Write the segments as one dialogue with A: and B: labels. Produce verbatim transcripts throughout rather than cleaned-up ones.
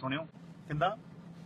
A: ਸੁਣਿਓ ਕਹਿੰਦਾ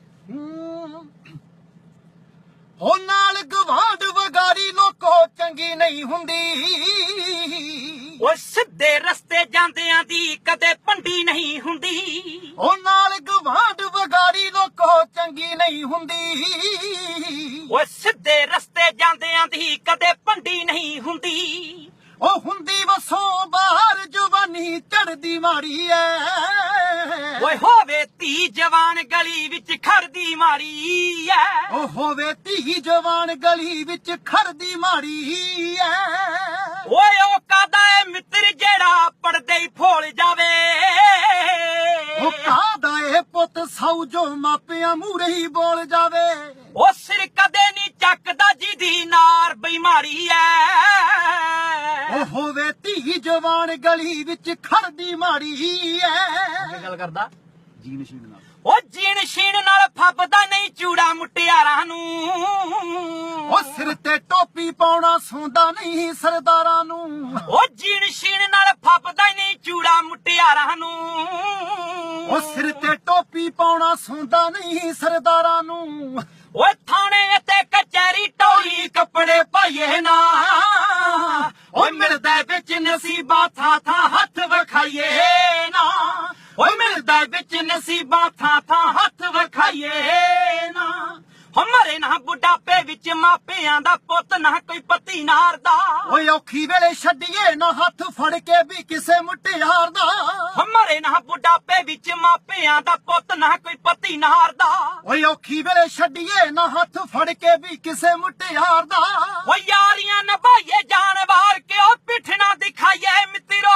B: ਹੋ ਨਾਲ ਗਵਾਂਢ ਵਗਾਰੀ ਲੋਕੋ ਚੰਗੀ ਨਹੀਂ ਹੁੰਦੀ।
C: ਉਹ ਸਿੱਧੇ ਰਸਤੇ ਜਾਂਦਿਆਂ ਦੀ ਕਦੇ ਭੰਡੀ ਨਹੀਂ ਹੁੰਦੀ।
B: ਉਹ ਨਾਲ ਗਵਾਂਢ ਵਗਾਰੀ ਲੋਕੋ ਚੰਗੀ ਨਹੀਂ ਹੁੰਦੀ।
C: ਉਹ ਸਿੱਧੇ ਰਸਤੇ ਜਾਂਦਿਆਂ ਦੀ ਕਦੇ ਭੰਡੀ ਨਹੀਂ ਹੁੰਦੀ।
B: ਉਹ ਹੁੰਦੀ ਵਸੋਂ ਬਾਹਰ ਜਵਾਨੀ ਚੜਦੀ ਮਾਰੀ ਐ।
C: ਓਏ ਹੋਵੇ ਧੀ ਜਵਾਨ ਗਲੀ ਵਿੱਚ ਖੜਦੀ ਮਾਰੀ ਐ।
B: ਉਹ ਹੋਵੇ ਧੀ ਜਵਾਨ ਗਲੀ ਵਿੱਚ ਖੜਦੀ ਮਾਰੀ ਐ।
C: ਓਏ ਉਹ ਕਾਦਾ ਏ ਮਿੱਤਰ ਜਿਹੜਾ ਪੜਦੇ ਹੀ ਫੋਲ ਜਾਵੇ।
B: ਉਹ ਕਾਦਾ ਏ ਪੁੱਤ ਸੌ ਜੋ ਮਾਪਿਆਂ ਮੂਹਰੇ ਹੀ ਬੋਲ ਜਾਵੇ।
C: ਉਹ ਸਿਰ ਕਦੇ ਨਹੀਂ ਚੱਕਦਾ ਜਿਹਦੀ ਨਾਰ ਬਿਮਾਰੀ ਐ।
B: ਉਹ ਹੋਵੇ ਧੀ ਜਵਾਨ ਗਲੀ ਵਿੱਚ ਖੜਦੀ ਮਾਰੀ ਐ।
A: ਅੱਗੇ ਗੱਲ ਕਰਦਾ ਜੀਨ ਸ਼ੀਨ ਨਾਲ।
C: ਉਹ ਜੀਣ ਸ਼ੀਣ ਨਾਲ ਫੱਬਦਾ ਨਹੀਂ ਚੂੜਾ ਮੁਟਿਆਰਾਂ ਨੂੰ।
B: ਉਹ ਸਿਰ ਤੇ ਟੋਪੀ ਪਾਉਣਾ ਸੌਂਦਾ ਨਹੀਂ ਸਰਦਾਰਾਂ ਨੂੰ।
C: ਉਹ ਜੀਣ ਸ਼ੀਣ ਨਾਲ ਫੱਬਦਾ ਨਹੀਂ ਚੂੜਾ ਮੁਟਿਆਰਾਂ ਨੂੰ।
B: ਉਹ ਸਿਰ ਤੇ ਟੋਪੀ ਪਾਉਣਾ ਸੌਂਦਾ ਨਹੀਂ ਸਰਦਾਰਾਂ ਨੂੰ।
C: ਓਏ ਥਾਣੇ ਤੇ ਕਚਹਿਰੀ ਟੋਲੀ ਕੱਪੜੇ ਪਾਈਏ ਨਾ।
B: ਓਏ ਮਿਲਦਾ ਵਿੱਚ ਨਸੀਬਾਂ ਥਾਂ ਥਾਂ ਹੱਥ ਵਿਖਾਈਏ ਨਾ।
C: ਓਏ ਮਿਲਦਾ ਵਿੱਚ ਨਸੀਬਾਂ ਥਾਂ ਥਾਂ ਹੱਥ ਵਿਖਾਈਏ ਨਾ। ਹਮਾਰੇ ਨਾ ਬੁਢਾਪੇ ਵਿੱਚ ਮਾਪਿਆਂ ਦਾ ਪੁੱਤ ਨਾ ਕੋਈ ਪਤੀ ਨਾਰਦਾ।
B: ਓਏ ਔਖੀ ਵੇਲੇ ਛੱਡੀਏ ਨਾ ਹੱਥ ਫੜ ਕੇ ਵੀ ਕਿਸੇ ਮੁਟਿਆਰ ਦਾ।
C: ਹਮਾਰੇ ਨਾ ਬੁਢਾਪੇ ਵਿੱਚ ਮਾਪਿਆਂ ਦਾ ਪੁੱਤ ਨਾ ਕੋਈ ਪਤੀ ਨਾਰਦਾ।
B: ਓਏ ਔਖੀ ਵੇਲੇ ਛੱਡੀਏ ਨਾ ਹੱਥ ਫੜ ਕੇ ਵੀ ਕਿਸੇ ਮੁਟਿਆਰ ਦਾ।
C: ਓ ਯਾਰੀਆਂ ਨਿਭਾਈਏ ਜਾਨ ਵਾਰ ਕੇ ਉਹ ਪਿੱਠ ਨਾ ਦਿਖਾਈਏ ਮਿੱਤਰੋ।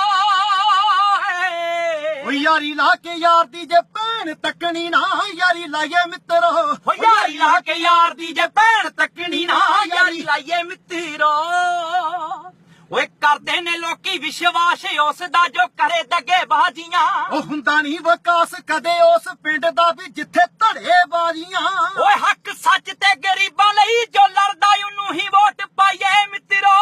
B: ਓ ਯਾਰੀ ਲਾ ਕੇ ਯਾਰ ਦੀ ਜੇ ਭੈਣ ਤੱਕਣੀ ਨਾ ਯਾਰੀ ਲਾਈਏ ਮਿੱਤਰੋ।
C: ਓ ਯਾਰੀ ਲਾ ਕੇ ਯਾਰ ਦੀ ਜੇ ਭੈਣ ਤੱਕਣੀ ਨਾ ਯਾਰੀ ਲਾਈਏ ਮਿੱਤਰੋ। ਓਏ ਕਰਦੇ ਨੇ ਲੋਕੀ ਵਿਸ਼ਵਾਸ ਉਸ ਦਾ ਜੋ ਕਰੇ ਦਗੇ ਬਾਜੀਆਂ।
B: ਉਹ ਹੁੰਦਾ ਨਹੀਂ ਵਿਕਾਸ ਕਦੇ ਉਸ ਪਿੰਡ ਦਾ ਵੀ ਜਿੱਥੇ ਧੜੇ ਬਾਜੀਆਂ।
C: ਓਏ ਹੱਕ ਸੱਚ ਤੇ ਗਰੀਬਾਂ ਲਈ ਜੋ ਲੜਦਾ ਉਹਨੂੰ ਹੀ ਵੋਟ ਪਾਈਏ ਮਿੱਤਰੋ।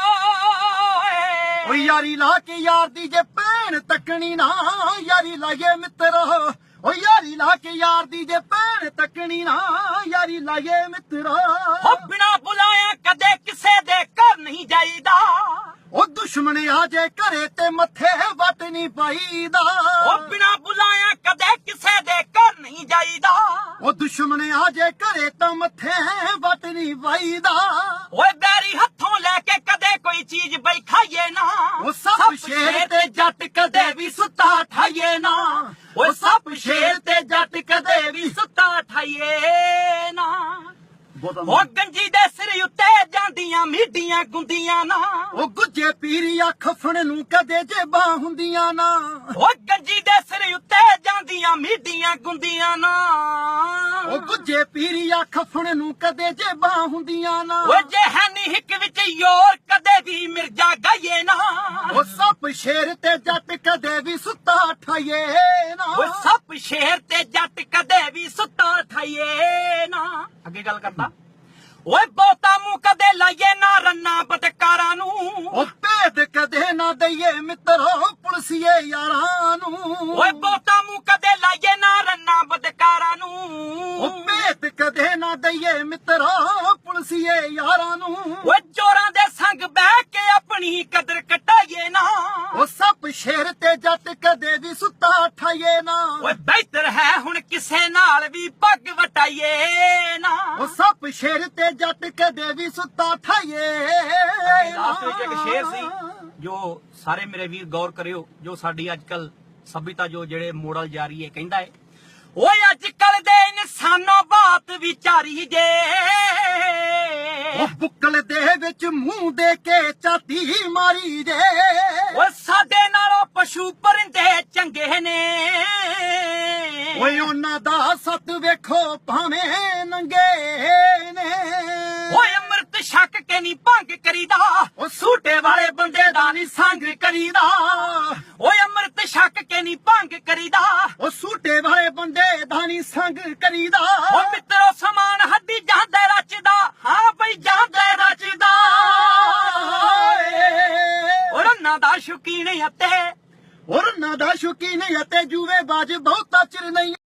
B: ਓ ਯਾਰੀ ਲਾ ਕੇ ਯਾਰ ਦੀ ਜੇ ਭੈਣ ਤੱਕਣੀ ਨਾ ਯਾਰੀ ਲਾਈਏ ਮਿੱਤਰੋ। ਓ ਯਾਰੀ ਲਾ ਕੇ ਯਾਰ ਦੀ ਜੇ ਭੈਣ ਤੱਕਣੀ ਨਾ ਯਾਰੀ ਲਾਈਏ ਮਿੱਤਰੋ।
C: ਓ ਬਿਨਾ ਬੁਲਾਇਆ ਕਦੇ ਕਿਸੇ ਦੇ ਘਰ ਨਹੀਂ ਜਾਈਦਾ।
B: ਉਹ ਦੁਸ਼ਮਣ ਆ ਜੇ ਘਰੇ ਤੇ ਮੱਥੇ ਵੱਟ ਨਹੀਂ ਪਾਈਦਾ।
C: ਓ ਬਿਨਾ ਬੁਲਾਇਆ ਕਦੇ ਕਿਸੇ ਦੇ ਘਰ ਨਹੀਂ ਜਾਈਦਾ।
B: ਉਹ ਦੁਸ਼ਮਣ ਆ ਜੇ ਘਰੇ ਤਾਂ ਮੱਥੇ ਵੱਟ ਨਹੀਂ ਪਾਈਦਾ।
C: ਓਏ ਬੈਰੀ ਹੱਥੋਂ ਲੈ ਕੇ ਕਦੇ ਕੋਈ ਚੀਜ਼ ਬਈ ਖਾਈਏ ਨਾ।
B: ਉਹ ਸੱਪ ਸ਼ੇਰ ਤੇ ਜੱਟ ਕਦੇ ਵੀ ਸੁੱਤਾ ਠਾਈਏ ਨਾ।
C: ਓਏ ਸੱਪ ਸ਼ੇਰ ਤੇ ਜੱਟ ਕਦੇ ਵੀ ਸੁੱਤਾ ਠਾਈਏ ਨਾ। ਉਹ ਗੰਜੀ ਦੇ ਸਿਰ ਉੱਤੇ ਜਾਂਦੀਆਂ ਮੀਡੀਆਂ ਗੁੰਦੀਆਂ ਨਾ।
B: ਉਹ ਗੁੱਜੇ ਪੀਰੀਆ ਖਫਣ ਨੂੰ ਕਦੇ ਜੇਬਾਂ ਹੁੰਦੀਆਂ ਨਾ।
C: ਉਹ ਗੰਜੀ ਦੇ ਸਿਰ ਉੱਤੇ ਜਾਂਦੀਆਂ ਮੀਡੀਆਂ ਗੁੰਦੀਆਂ ਨਾ।
B: ਉਹ ਗੁੱਜੇ ਪੀਰੀਆ ਖਫਣ ਨੂੰ ਕਦੇ ਜੇਬਾਂ ਹੁੰਦੀਆਂ ਨਾ।
C: ਓਏ ਜੇ ਹੈ ਨੀ ਹਿੱਕ ਵਿੱਚ ਯੋਰ ਕਦੇ ਵੀ ਮਿਰਜ਼ਾ ਗਾਈਏ ਨਾ।
B: ਉਹ ਸੱਪ ਸ਼ੇਰ ਤੇ ਜੱਟ ਕਦੇ ਵੀ ਸੁੱਤਾ ਠਾਈਏ ਨਾ।
C: ਓਏ ਸੱਪ ਸ਼ੇਰ ਤੇ ਜੱਟ ਕਦੇ ਵੀ ਸੁੱਤਾ ਠਾਈਏ ਨਾ।
A: ਅੱਗੇ ਗੱਲ ਕਰਦਾ
C: ਓਏ ਬਹੁਤਾ ਮੂੰਹ ਕਦੇ ਲਾਈਏ ਨਾ ਰੰਨਾ ਬਤਕਾਰਾਂ ਨੂੰ।
B: ਉਹ ਭੇਦ ਕਦੇ ਨਾ ਦਈਏ ਮਿੱਤਰੋ ਪੁਲਸੀਏ ਯਾਰਾਂ ਨੂੰ।
C: ਓਏ ਬਹੁਤਾ ਮੂੰਹ ਕਦੇ ਲਾਈਏ ਨਾ ਰੰਨਾ ਬਤਕਾਰਾਂ ਨੂੰ।
B: ਉਹ ਭੇਦ ਕਦੇ ਨਾ ਦਈਏ ਮਿੱਤਰੋ ਪੁਲਸੀਏ ਯਾਰਾਂ ਨੂੰ।
C: ਓਏ ਚੋਰਾਂ ਦੇ ਸੰਗ ਬਹਿ ਕੇ ਆਪਣੀ ਕਦਰ ਕਟਾਈਏ ਨਾ।
B: ਉਹ ਸੱਪ ਸ਼ੇਰ ਤੇ ਜੱਟ ਕਦੇ ਵੀ ਸੁੱਤਾ ਠਾਈਏ ਨਾ।
C: ਓਏ ਬਿਹਤਰ ਹੈ ਹੁਣ ਕਿਸੇ ਨਾਲ ਵੀ ਪੱਗ ਵਟਾਈਏ ਨਾ।
B: ਉਹ ਸੱਪ ਸ਼ੇਰ ਤੇ ਜੱਟ ਕਦੇ ਵੀ ਸੁੱਤਾ ਠਾਈਏ।
A: ਲਾਸਟ ਵਿੱਚ ਇੱਕ ਸ਼ੇਰ ਸੀ ਜੋ ਸਾਰੇ ਮੇਰੇ ਵੀਰ ਗੌਰ ਕਰਿਓ, ਜੋ ਸਾਡੀ ਅੱਜ ਕੱਲ ਸਭਿਤਾ ਜੋ ਜਿਹੜੇ ਮੋਡਲ ਜਾ ਰਹੀ ਹੈ ਕਹਿੰਦਾ ਹੈ।
C: ਓਏ ਅੱਜ ਕੱਲ ਦੇ ਇਨਸਾਨੋ ਬਾਤ ਵਿਚਾਰੀ ਜੇ।
B: ਉਹ ਬੁੱਕਲ ਦੇ ਵਿੱਚ ਮੂੰਹ ਦੇ ਕੇ ਚਾਤੀ ਮਾਰੀ ਜੇ।
C: ਓਏ ਸਾਡੇ ਨਾਲੋਂ ਪਸ਼ੂ ਪਰਿੰਦੇ ਚੰਗੇ ਨੇ।
B: ਓਏ ਉਹਨਾਂ ਦਾ ਸੱਤ ਵੇਖੋ ਭਾਵੇਂ ਨੰਗੇ ਨੇ।
C: ਓਏ ਅੰਮ੍ਰਿਤ ਛਕ ਕੇ ਨਹੀਂ ਭੰਗ ਕਰੀਦਾ।
B: ਉਹ ਸੂਟੇ ਵਾਲੇ ਬੰਦੇ ਦਾ ਨਹੀਂ ਸੰਗ ਕਰੀਦਾ।
C: ਓਏ ਅੰਮ੍ਰਿਤ ਛਕ ਕੇ ਨਹੀਂ ਭੰਗ ਕਰੀਦਾ।
B: ਉਹ ਸੂਟੇ ਵਾਲੇ ਬੰਦੇ ਦਾ ਨਹੀਂ ਸੰਗ ਕਰੀਦਾ।
C: ਓ ਮਿੱਤਰੋ ਸਮਾਨ ਹੱਡੀ ਜਾਂਦਾ ਰਚਦਾ। ਹਾਂ ਬਈ ਜਾਂਦਾ ਰਚਦਾ। ਓ ਰੰਨਾਂ ਦਾ ਸ਼ੌਕੀਨ ਅਤੇ
B: ਔਰ ਨਾ ਦਾ ਸ਼ੌਕੀਨ ਅਤੇ ਜੂਵੇ ਬਾਜ ਬਹੁਤਾ ਚਿਰ ਨਹੀਂ।